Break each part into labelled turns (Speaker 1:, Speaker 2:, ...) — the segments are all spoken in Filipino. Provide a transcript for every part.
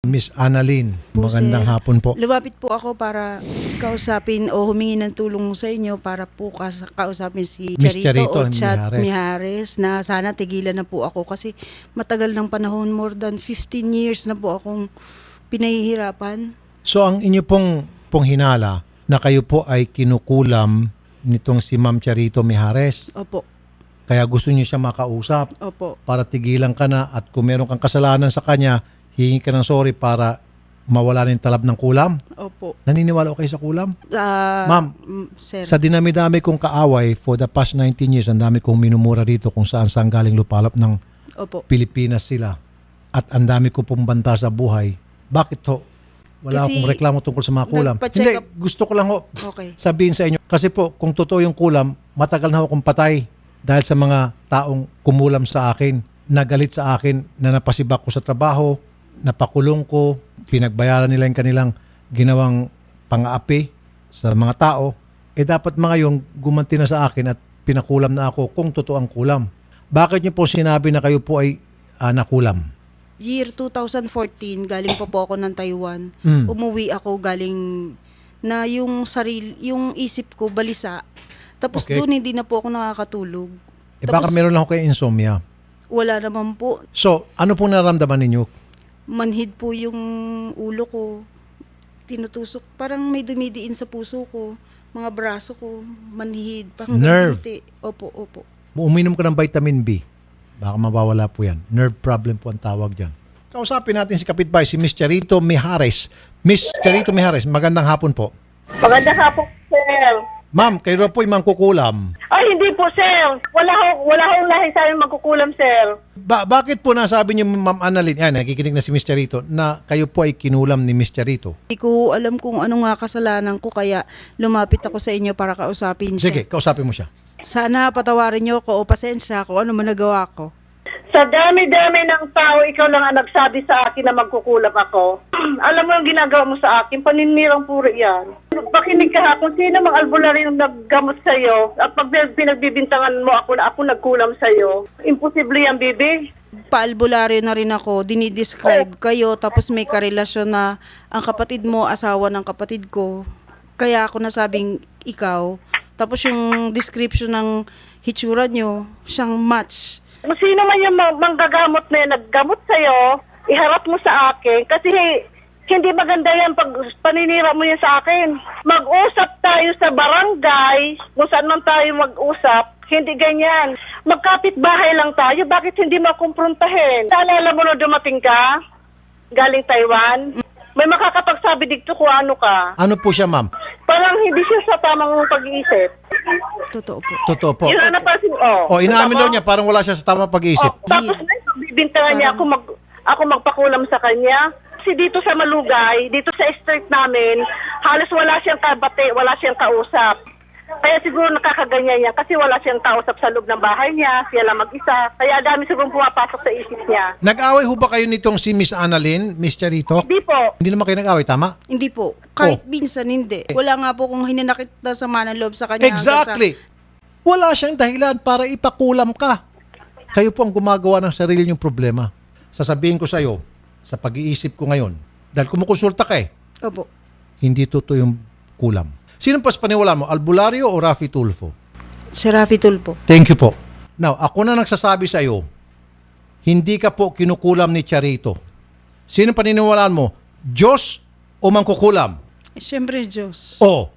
Speaker 1: Miss Annalyn,
Speaker 2: Po,
Speaker 1: magandang
Speaker 2: sir.
Speaker 1: hapon po.
Speaker 2: Lumapit po ako para kausapin o humingi ng tulong sa inyo para po kausapin si
Speaker 1: Miss
Speaker 2: Charito o
Speaker 1: Charito
Speaker 2: Chat
Speaker 1: Mijares.
Speaker 2: Mijares na sana tigilan na po ako kasi matagal ng panahon, more than 15 years na po akong pinahihirapan.
Speaker 1: So ang inyo pong hinala na kayo po ay kinukulam nitong si Ma'am Charito Mijares.
Speaker 2: Opo,
Speaker 1: Kaya gusto niyo siya makausap
Speaker 2: opo.
Speaker 1: para tigilan ka na at kung meron kang kasalanan sa kanya, hihingi ka ng sorry para mawala ng talab ng kulam.
Speaker 2: Opo.
Speaker 1: Naniniwala ko kayo sa kulam? Ma'am,
Speaker 2: Sir.
Speaker 1: sa dinami-dami kong kaaway for the past 19 years, ang dami kong minumura dito kung saan galing lupalop ng
Speaker 2: Opo.
Speaker 1: Pilipinas sila. At ang dami ko pong banta sa buhay. Bakit ho? Wala
Speaker 2: Kasi
Speaker 1: akong reklamo tungkol sa mga kulam.
Speaker 2: nagpa-check
Speaker 1: Hindi,
Speaker 2: up-
Speaker 1: gusto ko lang ho
Speaker 2: Okay.
Speaker 1: sabihin sa inyo. Kasi po, kung totoo yung kulam, matagal na ho akong patay dahil sa mga taong kumulam sa akin, nagalit sa akin, na napasibak ko sa trabaho, napakulong ko, pinagbayaran nila yung kanilang ginawang pang-aapi sa mga tao. Dapat mga yung gumanti na sa akin at pinakulam na ako kung totoo ang kulam. Bakit niyo po sinabi na kayo po ay nakulam?
Speaker 2: Year 2014, galing pa po ako ng Taiwan.
Speaker 1: Mm.
Speaker 2: Umuwi ako galing na yung yung isip ko balisa. Tapos
Speaker 1: Okay.
Speaker 2: doon hindi na po ako nakakatulog.
Speaker 1: Baka meron lang ako kayo insomnia.
Speaker 2: Wala naman po.
Speaker 1: So, ano pong nararamdaman ninyo?
Speaker 2: Manhid po yung ulo ko. Tinutusok. Parang may dumidiin sa puso ko. Mga braso ko. Manhid.
Speaker 1: Nerve.
Speaker 2: Opo, opo.
Speaker 1: Uminom ka ng vitamin B. Baka mawawala po yan. Nerve problem po ang tawag dyan. Kausapin natin si kapitbahay, si Miss Charito Mijares. Miss Charito Mijares, magandang hapon po.
Speaker 3: Maganda ka po, sir.
Speaker 1: Ma'am, kayo raw po yung mangkukulam.
Speaker 3: Ay, hindi po, sir. Wala hong lahi sa amin magkukulam, sir.
Speaker 1: Bakit po nasabi niyo, Ma'am Annalyn, yan, nakikinig na si Miss Charito, na kayo po ay kinulam ni Miss Charito?
Speaker 2: Hindi ko alam kung ano nga kasalanan ko kaya lumapit ako sa inyo para kausapin siya.
Speaker 1: Sige, kausapin mo siya.
Speaker 2: Sana patawarin niyo ako o pasensya kung ano man nagawa ko.
Speaker 3: Sa dami-dami ng tao, ikaw lang ang nagsabi sa akin na magkukulam ako. Alam mo yung ginagawa mo sa akin, paninirang puro yan. Pakinig ka ha, kung sino mang albularyo yung naggamot sa'yo, at pag pinagbibintangan mo ako na ako nagkulam sa'yo, imposible yan, bibi.
Speaker 2: Paalbularyo na rin ako, dinidescribe kayo, tapos may karelasyon na ang kapatid mo, asawa ng kapatid ko. Kaya ako nasabing ikaw. Tapos yung description ng hitsura nyo, siyang match.
Speaker 3: Kung sino man yung manggagamot na yan, naggamot sa'yo, iharap mo sa akin. Kasi hindi maganda yan pag paninira mo yan sa akin. Mag-usap tayo sa barangay, kung saan man tayo mag-usap, hindi ganyan. Magkapit bahay lang tayo, bakit hindi makumprontahin? Naalala mo na dumating ka, galing Taiwan, may makakapagsabi dito kung ano ka.
Speaker 1: Ano po siya, ma'am?
Speaker 3: Parang hindi siya sa tamang pag-iisip.
Speaker 2: Totoo po.
Speaker 1: Totoo po.
Speaker 3: Yun ang napansin,
Speaker 1: O, inaamin daw niya, parang wala siya sa tamang pag-iisip.
Speaker 3: Tapos na bibintangan niya ako magpakulam sa kanya. Kasi dito sa Malugay, dito sa street namin, halos wala siyang kabate, wala siyang kausap. Kaya siguro nakakaganyan niya kasi wala siyang kausap sa loob ng bahay niya, siya lang mag-isa. Kaya dami siguro pumapasok sa isip niya.
Speaker 1: Nag-away ho ba kayo nitong si Miss Annalyn, Miss Charito?
Speaker 3: Hindi po.
Speaker 1: Hindi naman kayo nag-away, tama?
Speaker 2: Hindi po. Kahit minsan hindi. Wala nga po kung hinanakit na sama ng loob sa kanya.
Speaker 1: Exactly. Wala siyang dahilan para ipakulam ka. Kayo po ang gumagawa ng sarili niyong problema. Sasabihin ko sa iyo, sa pag-iisip ko ngayon, dahil kumukonsulta ka
Speaker 2: Opo.
Speaker 1: hindi totoo yung kulam. Sino pas paniwala mo, Albularyo o Rafi Tulfo?
Speaker 2: Si Rafi Tulfo.
Speaker 1: Thank you po. Now, ako na nagsasabi sa iyo, hindi ka po kinukulam ni Charito. Sino paniniwalaan mo, Diyos o mangkukulam?
Speaker 2: Siyempre, Diyos.
Speaker 1: O,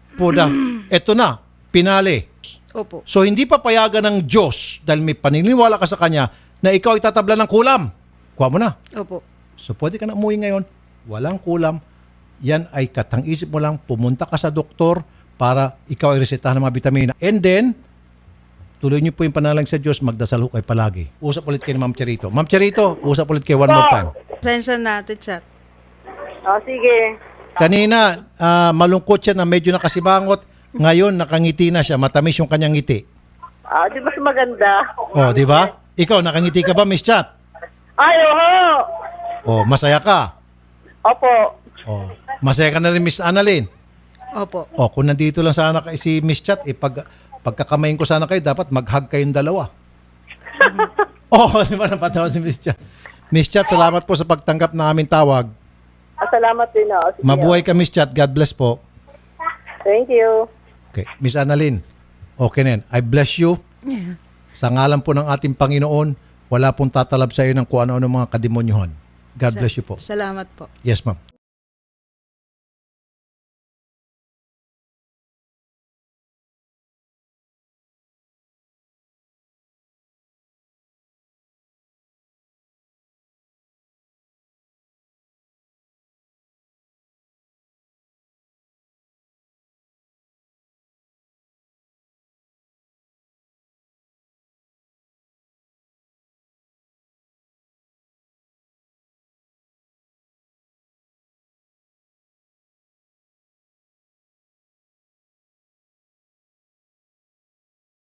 Speaker 1: eto na, pinali.
Speaker 2: Opo.
Speaker 1: So hindi papayagan ng Diyos dahil may paniniwala ka sa Kanya na ikaw ay tatabla ng kulam. Kuha mo na.
Speaker 2: Opo.
Speaker 1: So pwede ka na umuwi ngayon, walang kulam. Yan ay katang-isip mo lang, pumunta ka sa doktor para ikaw ay resetahan ng mga vitamina. And then, tuloy niyo po yung panalangin sa Diyos, magdasal ho kayo palagi. Usap ulit kayo ni Ma'am Charito. Ma'am Charito, usap ulit kayo one more time.
Speaker 2: Pasensya natin, Chat.
Speaker 3: Sige.
Speaker 1: Kanina, malungkot siya na medyo nakasibangot. Ngayon, nakangiti na siya. Matamis yung kanyang ngiti.
Speaker 3: Di ba maganda?
Speaker 1: O, di ba? Ikaw, nakangiti ka ba, Miss Chat?
Speaker 3: Ay, oho.
Speaker 1: O, masaya ka?
Speaker 3: Opo.
Speaker 1: O, masaya ka na rin, Miss Annalyn?
Speaker 2: Opo.
Speaker 1: O, kung nandito lang sana si Miss Chat, pagkakamayin ko sana kayo, dapat mag-hug kayong dalawa. Di ba napatawa si Miss Chat? Miss Chat, salamat po sa pagtanggap ng aming tawag.
Speaker 3: Salamat din. Sige,
Speaker 1: Mabuhay ka, Miss Chat. God bless po.
Speaker 3: Thank you.
Speaker 1: Okay. Miss Annalyn, okay na yan. I bless you. Sa ngalan po ng ating Panginoon, wala pong tatalab sa iyo ng kung ano-ano mga kademonyohan. God bless you po.
Speaker 2: Salamat po.
Speaker 1: Yes, ma'am.